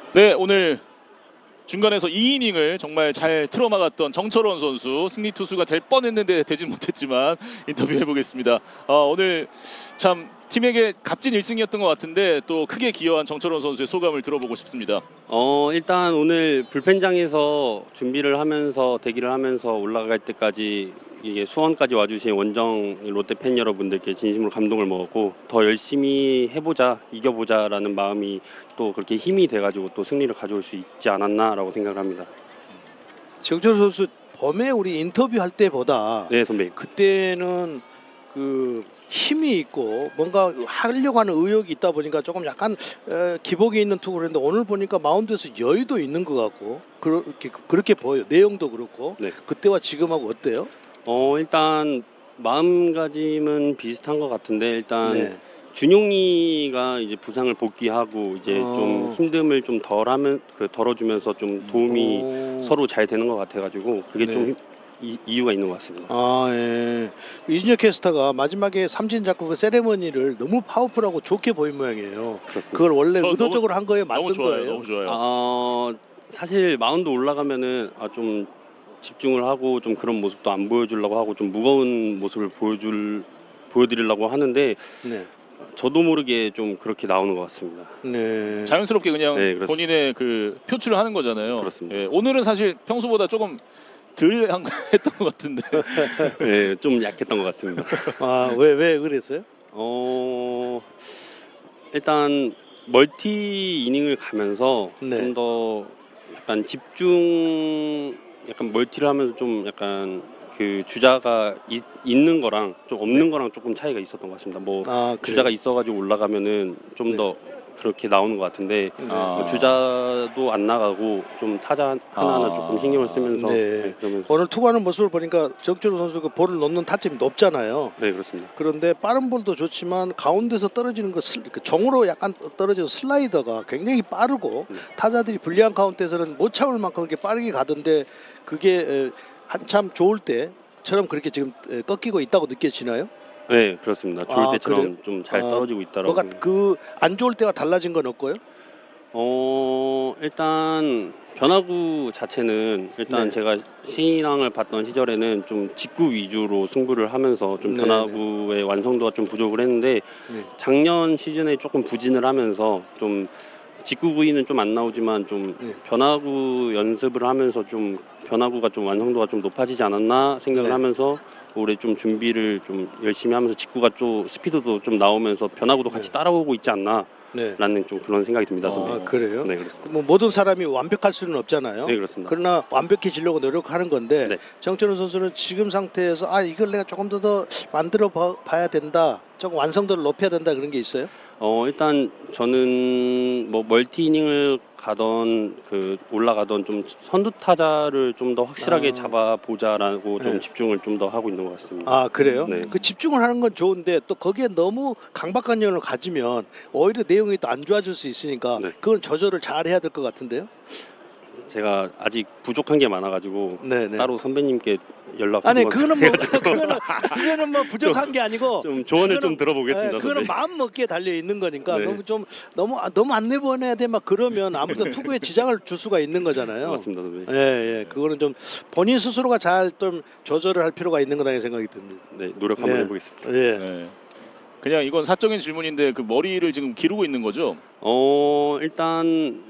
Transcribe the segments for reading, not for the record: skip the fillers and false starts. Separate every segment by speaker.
Speaker 1: 네, 오늘 중간에서 2이닝을 정말 잘 틀어막았던 정철원 선수, 승리 투수가 될 뻔했는데 되진 못했지만 인터뷰해 보겠습니다. 오늘 참 팀에게 값진 1승이었던 것 같은데 또 크게 기여한 정철원 선수의 소감을 들어보고 싶습니다.
Speaker 2: 일단 오늘 불펜장에서 준비를 하면서 대기를 하면서 올라갈 때까지 이게 수원까지 와주신 원정 롯데 팬 여러분들께 진심으로 감동을 먹었고, 더 열심히 해보자, 이겨보자라는 마음이 또 그렇게 힘이 돼가지고 또 승리를 가져올 수 있지 않았나라고 생각을 합니다.
Speaker 3: 정철 선수 범에 우리 인터뷰할 때보다
Speaker 2: 네, 선배님.
Speaker 3: 그때는 그 힘이 있고 뭔가 하려고 하는 의욕이 있다 보니까 조금 약간 기복이 있는 투구를 했는데, 오늘 보니까 마운드에서 여유도 있는 것 같고 그렇게 보여요. 내용도 그렇고.
Speaker 2: 네.
Speaker 3: 그때와 지금하고 어때요?
Speaker 2: 일단 마음가짐은 비슷한 것 같은데, 일단
Speaker 3: 네.
Speaker 2: 준용이가 이제 부상을 복귀하고 이제 좀
Speaker 3: 어.
Speaker 2: 힘듦을 좀 덜어주면서 좀 도움이
Speaker 3: 오.
Speaker 2: 서로 잘 되는 것 같아가지고 그게
Speaker 3: 네.
Speaker 2: 좀 이유가 있는 것 같습니다.
Speaker 3: 예. 이준혁 캐스터가 마지막에 삼진 잡고 그 세레머니를 너무 파워풀하고 좋게 보인 모양이에요.
Speaker 2: 그렇습니다.
Speaker 3: 그걸 원래
Speaker 1: 저
Speaker 3: 의도적으로 한 거예요? 만든
Speaker 1: 너무 좋아요,
Speaker 3: 거예요?
Speaker 1: 너무 좋아요.
Speaker 2: 사실 마운드 올라가면은 좀 집중을 하고 좀 그런 모습도 안 보여주려고 하고 좀 무거운 모습을 보여드리려고 하는데,
Speaker 3: 네.
Speaker 2: 저도 모르게 좀 그렇게 나오는 것 같습니다.
Speaker 3: 네.
Speaker 1: 자연스럽게 그냥
Speaker 2: 네, 그렇습니다.
Speaker 1: 본인의 그 표출을 하는 거잖아요.
Speaker 2: 그렇습니다.
Speaker 1: 예, 오늘은 사실 평소보다 조금 덜 했던 것 같은데.
Speaker 2: 네, 좀 약했던 것 같습니다.
Speaker 3: 왜 그랬어요?
Speaker 2: 일단 멀티 이닝을 가면서
Speaker 3: 네.
Speaker 2: 좀 더 약간 약간 멀티를 하면서 좀 약간 그 주자가 있는 거랑 좀 없는 거랑 조금 차이가 있었던 것 같습니다.
Speaker 3: 그래요?
Speaker 2: 주자가 있어가지고 올라가면은 좀
Speaker 3: 네.
Speaker 2: 더 그렇게 나오는 것 같은데,
Speaker 1: 아.
Speaker 2: 주자도 안 나가고 좀 타자 하나하나
Speaker 1: 아.
Speaker 2: 조금 신경을 쓰면서
Speaker 3: 네.
Speaker 2: 그러면서.
Speaker 3: 오늘 투구하는 모습을 보니까 정철우 선수 그 볼을 놓는 타점이 높잖아요.
Speaker 2: 네, 그렇습니다.
Speaker 3: 그런데 빠른 볼도 좋지만 가운데서 떨어지는 그 정으로 약간 떨어지는 슬라이더가 굉장히 빠르고,
Speaker 2: 네.
Speaker 3: 타자들이 불리한 카운트에서는 못 참을 만큼 그렇게 빠르게 가던데, 그게 한참 좋을 때처럼 그렇게 지금 꺾이고 있다고 느껴지나요?
Speaker 2: 네, 그렇습니다. 좋을
Speaker 3: 그래요?
Speaker 2: 때처럼 좀 잘 떨어지고 있다라고.
Speaker 3: 뭔가 그 안 좋을 때가 달라진 건 없고요?
Speaker 2: 일단 변화구 자체는 일단
Speaker 3: 네.
Speaker 2: 제가 신인왕을 봤던 시절에는 좀 직구 위주로 승부를 하면서 좀
Speaker 3: 네,
Speaker 2: 변화구의 완성도가 좀 부족을 했는데,
Speaker 3: 네.
Speaker 2: 작년 시즌에 조금 부진을 하면서 좀 직구 구위는 좀 안 나오지만 좀
Speaker 3: 네.
Speaker 2: 변화구 연습을 하면서 좀 변화구가 좀 완성도가 좀 높아지지 않았나 생각을
Speaker 3: 네.
Speaker 2: 하면서 올해 좀 준비를 좀 열심히 하면서 직구가 좀 스피드도 좀 나오면서 변화구도 같이
Speaker 3: 네.
Speaker 2: 따라오고 있지 않나
Speaker 3: 네.
Speaker 2: 라는 좀 그런 생각이 듭니다, 선배님.
Speaker 3: 그래요?
Speaker 2: 네, 그렇습니다.
Speaker 3: 뭐 모든 사람이 완벽할 수는 없잖아요.
Speaker 2: 네, 그렇습니다.
Speaker 3: 그러나 완벽해지려고 노력하는 건데,
Speaker 2: 네.
Speaker 3: 정철우 선수는 지금 상태에서 이걸 내가 조금 더 만들어 봐야 된다, 조금 완성도를 높여야 된다, 그런 게 있어요?
Speaker 2: 일단 저는 뭐 멀티 이닝을 가던 올라가던 좀 선두 타자를 좀 더 확실하게 잡아보자라고
Speaker 3: 네.
Speaker 2: 좀 집중을 좀 더 하고 있는 것 같습니다.
Speaker 3: 그래요?
Speaker 2: 네.
Speaker 3: 그 집중을 하는 건 좋은데 또 거기에 너무 강박관념을 가지면 오히려 내용이 또 안 좋아질 수 있으니까
Speaker 2: 네.
Speaker 3: 그건 조절을 잘 해야 될 것 같은데요?
Speaker 2: 제가 아직 부족한 게 많아가지고
Speaker 3: 네네.
Speaker 2: 따로 선배님께 연락
Speaker 3: 아니
Speaker 2: 한번
Speaker 3: 그거는 뭐 부족한 게 아니고
Speaker 2: 좀 조언을
Speaker 3: 그거는-
Speaker 2: 좀 들어보겠습니다.
Speaker 3: 그거는
Speaker 2: 선배님.
Speaker 3: 마음 먹기에 달려 있는 거니까
Speaker 2: 네.
Speaker 3: 너무 안 내보내야 돼 막 그러면 아무래도 투구에 지장을 줄 수가 있는 거잖아요.
Speaker 2: 맞습니다, 선배님.
Speaker 3: 예. 그거는 좀 본인 스스로가 잘 좀 조절을 할 필요가 있는 거다 생각이 듭니다.
Speaker 2: 네, 노력 한번
Speaker 3: 네.
Speaker 2: 해보겠습니다.
Speaker 3: 예.
Speaker 1: 네. 그냥 이건 사적인 질문인데 그 머리를 지금 기르고 있는 거죠?
Speaker 2: 일단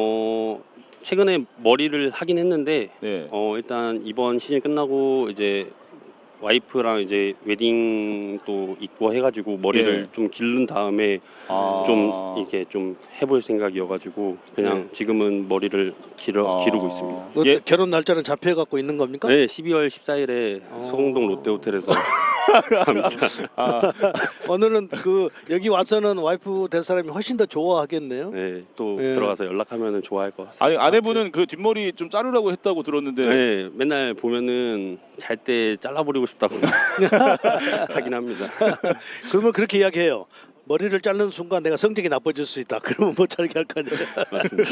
Speaker 2: 최근에 머리를 하긴 했는데,
Speaker 1: 네.
Speaker 2: 일단 이번 시즌 끝나고 이제 와이프랑 이제 웨딩도 있고 해가지고 머리를
Speaker 1: 예.
Speaker 2: 좀 기른 다음에 좀 이렇게 좀 해볼 생각이어가지고 그냥 지금은 머리를 기르고 있습니다.
Speaker 1: 예.
Speaker 3: 결혼 날짜는 잡혀 갖고 있는 겁니까?
Speaker 2: 네, 12월 14일에 소공동 롯데호텔에서 합니다.
Speaker 3: 오늘은 여기 와서는 와이프 될 사람이 훨씬 더 좋아하겠네요.
Speaker 2: 네, 또
Speaker 3: 예.
Speaker 2: 들어가서 연락하면 좋아할 것 같습니다.
Speaker 1: 아니, 아내분은 그 뒷머리 좀 자르라고 했다고 들었는데.
Speaker 2: 네, 맨날 보면은 잘 때 잘라버리고 싶다고 하긴 합니다.
Speaker 3: 그러면 그렇게 이야기해요. 머리를 자르는 순간 내가 성격이 나빠질 수 있다. 그러면 못 자르게 할 거 아니에요.
Speaker 2: 맞습니다.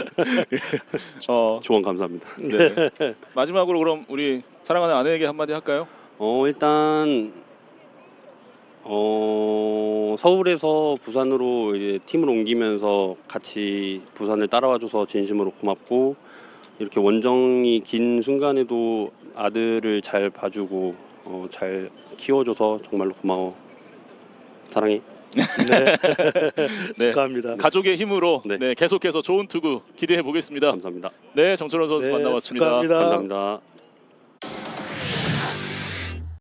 Speaker 2: 조언 감사합니다.
Speaker 1: 네. 마지막으로 그럼 우리 사랑하는 아내에게 한마디 할까요?
Speaker 2: 일단 서울에서 부산으로 이제 팀을 옮기면서 같이 부산을 따라와줘서 진심으로 고맙고, 이렇게 원정이 긴 순간에도 아들을 잘 봐주고 잘 키워줘서 정말로 고마워. 사랑해.
Speaker 3: 네.
Speaker 1: 네.
Speaker 3: 축하합니다.
Speaker 1: 가족의 힘으로
Speaker 2: 네.
Speaker 1: 네, 계속해서 좋은 투구 기대해 보겠습니다.
Speaker 2: 감사합니다.
Speaker 1: 네, 정철원 선수
Speaker 3: 네,
Speaker 1: 만나봤습니다.
Speaker 3: 축하합니다.
Speaker 2: 감사합니다.